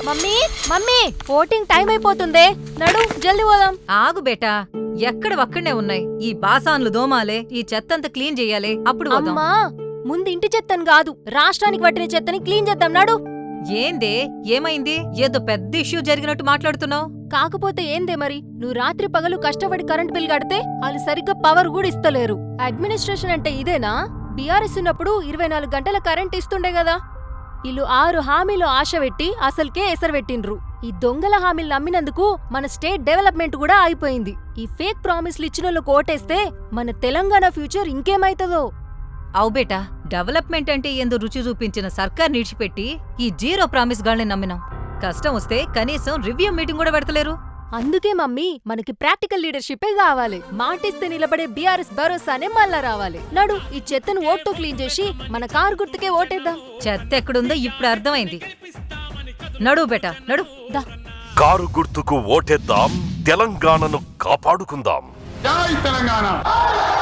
Mummy mummy voting time అయిపోతుందే, నడు జల్ది పోదాం. ఆగు బేటా, ఎక్కడవక్కడనే ఉన్నాయి ఈ బాసాన్లు దోమాలే, ఈ చెత్తంతా క్లీన్ చెయ్యాలి, అప్పుడు పోదాం. అమ్మా ముందు ఇంటి చెత్తని కాదు, రాష్ట్రానికి పట్టిన చెత్తని క్లీన్ చేద్దాం, నడు. ఏందే, ఏమైంది? ఏదో పెద్ద ఇష్యూ జరిగినట్టు మాట్లాడుతున్నావు. కాకపోతే ఏందే మరి, నువ్వు రాత్రి పగలు కష్టపడి కరెంట్ బిల్ కడితే వాళ్ళు సరిగ్గా పవర్ కూడా ఇస్తలేరు. అడ్మినిస్ట్రేషన్ అంటే ఇదేనా? బీఆర్ఎస్ ఉన్నప్పుడు 24 గంటల కరెంట్ ఇస్తుండే కదా. వీళ్ళు 6 హామీలు ఆశ పెట్టి అసలుకే ఎసరబెట్టిండ్రు. ఈ దొంగల హామీలు నమ్మినందుకు మన స్టేట్ డెవలప్మెంట్ కూడా ఆగిపోయింది. ఈ ఫేక్ ప్రామిస్లు ఇచ్చినోళ్ళకు ఓటేస్తే మన తెలంగాణ ఫ్యూచర్ ఇంకేమైతుందో. అవు బేటా, డెవలప్మెంట్ అంటే ఏందో రుచి చూపించిన సర్కార్ నిడిచిపెట్టి ఈ జీరో ప్రామిస్ గాల్ని నమ్మినాం. కష్టం వస్తే కనీసం రివ్యూ మీటింగ్ కూడా పెడతలేరు. అందుకే మమ్మీ మనకి ప్రాక్టికల్ లీడర్షిపే కావాలి. మాటిస్తే నిలబడే బీఆర్ఎస్ భరోసానే మళ్ళా రావాలి. నడు ఈ చెత్తను ఓట్తో క్లీన్ చేసి మన కారు గుర్తుకే ఓటేద్దాం. చెత్త ఎక్కడుందో ఇప్పుడు అర్థమైంది. నడు బేటా, నడు. దా కారు గుర్తుకు ఓటేద్దాం, తెలంగాణను కాపాడుకుందాం. జై తెలంగాణ.